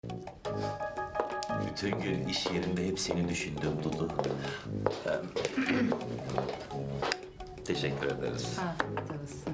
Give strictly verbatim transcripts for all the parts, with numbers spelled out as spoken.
Bütün gün iş yerinde hep seni düşündüm Dudu. Em, Teşekkür ederiz. Afiyet olsun.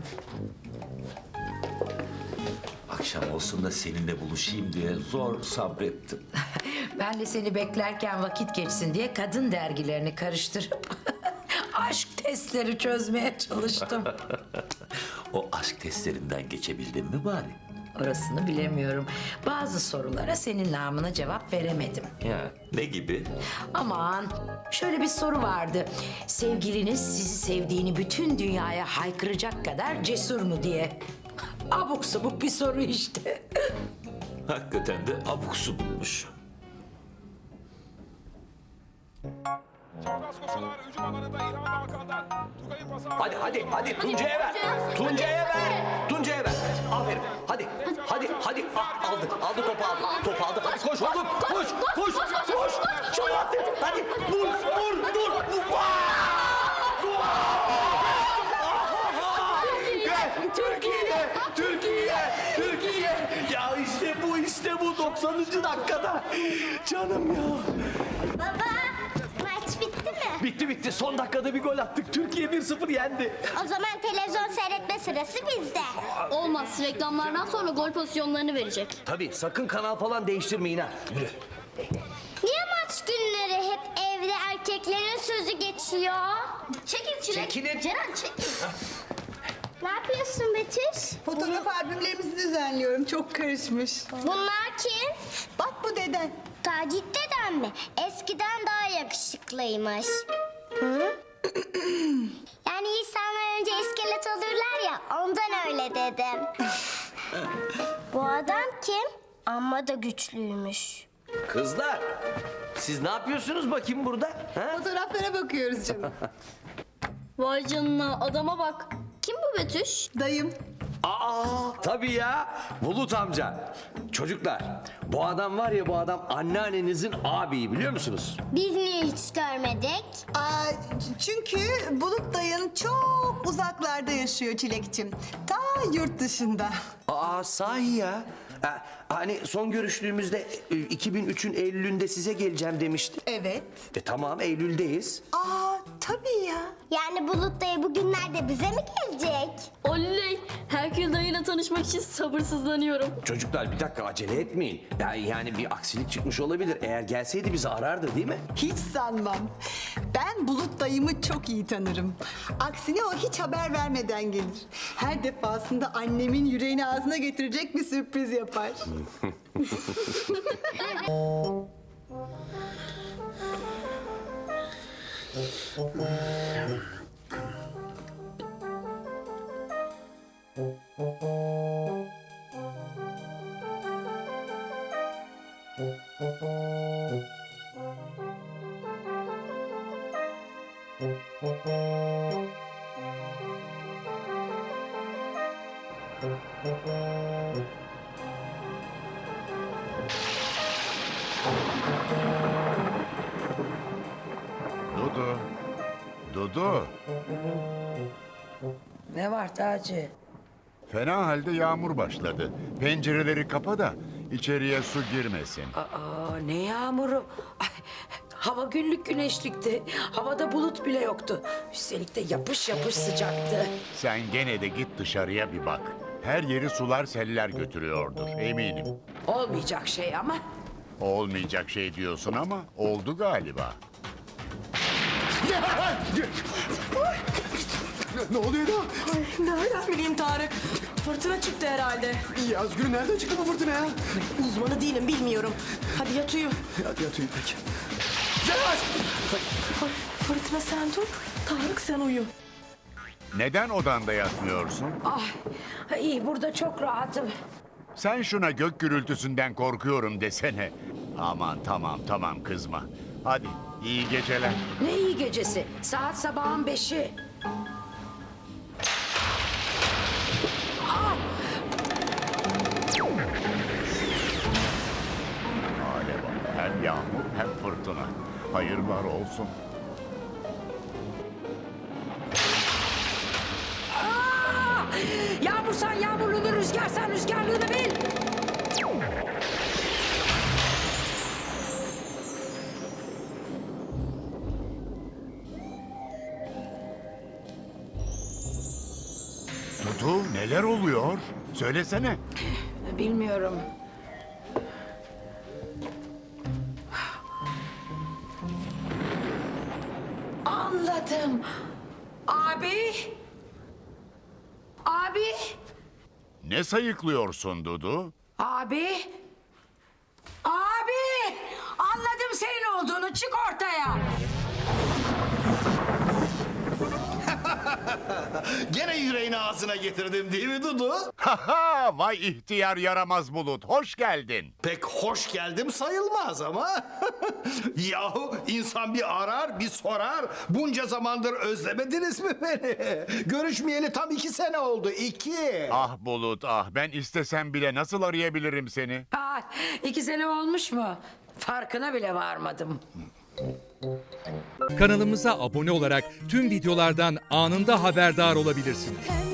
Akşam olsun da seninle buluşayım diye zor sabrettim. Ben de seni beklerken vakit geçsin diye kadın dergilerini karıştırıp aşk testleri çözmeye çalıştım. O aşk testlerinden geçebildin mi bari? Orasını bilemiyorum. Bazı sorulara senin namına cevap veremedim. Ya ne gibi? Aman, şöyle bir soru vardı. Sevgiliniz sizi sevdiğini bütün dünyaya haykıracak kadar cesur mu diye. Abuk subuk bir soru işte. Hakikaten de abuk subukmuş. Çapraz koşular hücum alanında İlhan Hakan'dan. Tugay'ın pası. Hadi hadi hadi Tuncay'a ver. Tuncay'a ver. Tuncay'a ver. Aferin. Hadi. Hadi hadi. Ah, aldı. Aldı topu aldı. Topu aldı. Hadi koş oğlum. Koş. Koş. Koş. Şunu attı. Hadi. Vur. Vur. Dur. Vur. Türkiye. Türkiye. Türkiye. Ya işte bu işte bu doksanıncı dakikada. Canım ya. Baba, maç bitti mi? Bitti bitti. Son dakikada bir gol attık. Türkiye bir sıfır yendi. O zaman televizyon seyretme sırası bizde. Olmaz. Reklamlardan sonra gol pozisyonlarını verecek. Tabii sakın kanal falan değiştirmeyin ha. Yürü. Niye maç günleri hep evde erkeklerin sözü geçiyor? Çekil Çilek. Çekilin. Ceren çekil. Ne yapıyorsun Betüş? Fotoğraf albümlerimizi düzenliyorum. Çok karışmış. Bunlar kim? Bak bu deden. Tacit deden mi? Eskiden daha yakışıklıymış. Hı? Yani insanlar önce iskelet olurlar ya, ondan öyle dedim. Bu adam kim? Amma da güçlüymüş. Kızlar, siz ne yapıyorsunuz bakayım burada? Ha? Fotoğraflara bakıyoruz canım. Vay canına adama bak. Kim bu Betüş? Dayım. Aa, tabii ya. Bulut amca. Çocuklar, bu adam var ya bu adam anneannenizin abiyi biliyor musunuz? Biz niye hiç görmedik? Aa, çünkü Bulut dayın çok uzaklarda yaşıyor Çilekçim. Ta yurt dışında. Aa, sahi ya. Ha, hani son görüştüğümüzde e, iki bin üçün Eylül'ünde size geleceğim demişti. Evet. E tamam Eylül'deyiz. Aa, tabii ya. Yani Bulut dayı bugünlerde bize mi gelecek? Oley! Herkül dayıyla tanışmak için sabırsızlanıyorum. Çocuklar bir dakika acele etmeyin. Yani, yani bir aksilik çıkmış olabilir. Eğer gelseydi bizi arardı değil mi? Hiç sanmam. Ben Bulut dayımı çok iyi tanırım. Aksine o hiç haber vermeden gelir. Her defasında annemin yüreğini ağzına getirecek bir sürpriz yapar. Dudu. Dudu. Ne var Taci? Fena halde yağmur başladı. Pencereleri kapa da içeriye su girmesin. Aa, ne yağmuru? Ay, hava günlük güneşlikti. Havada bulut bile yoktu. Üstelik de yapış yapış sıcaktı. Sen gene de git dışarıya bir bak. Her yeri sular seller götürüyordur eminim. Olmayacak şey ama. Olmayacak şey diyorsun ama oldu galiba. Ne oluyor da? Nereden bileyim Tarık? Fırtına çıktı herhalde. Yazgül nereden çıktı bu fırtına ya? Uzmanı değilim, bilmiyorum. Hadi yat uyu. Hadi yat uyu peki. Ay, Fırtına sen dur, Tarık sen uyu. Neden odanda yatmıyorsun? Ah, iyi burada çok rahatım. Sen şuna gök gürültüsünden korkuyorum desene. Aman tamam tamam kızma. Hadi iyi geceler. Ne iyi gecesi. Saat sabahın beşi. Hale bak hem yağmur hem fırtına. Hayırlar olsun. Yağmursan yağmurluğunu, rüzgarsan rüzgarlığını bil. Neler oluyor? Söylesene. Bilmiyorum. Anladım. Abi. Abi. Ne sayıklıyorsun Dudu? Abi. Abi. Anladım senin olduğunu. Çık ortaya. Gene yüreğini ağzına getirdim değil mi Dudu? Haha, vay ihtiyar yaramaz Bulut. Hoş geldin. Pek hoş geldim sayılmaz ama. Yahu insan bir arar bir sorar. Bunca zamandır özlemediniz mi beni? Görüşmeyeli tam iki sene oldu. iki. Ah Bulut ah, ben istesem bile nasıl arayabilirim seni? Aa, iki sene olmuş mu? Farkına bile varmadım. Kanalımıza abone olarak tüm videolardan anında haberdar olabilirsiniz.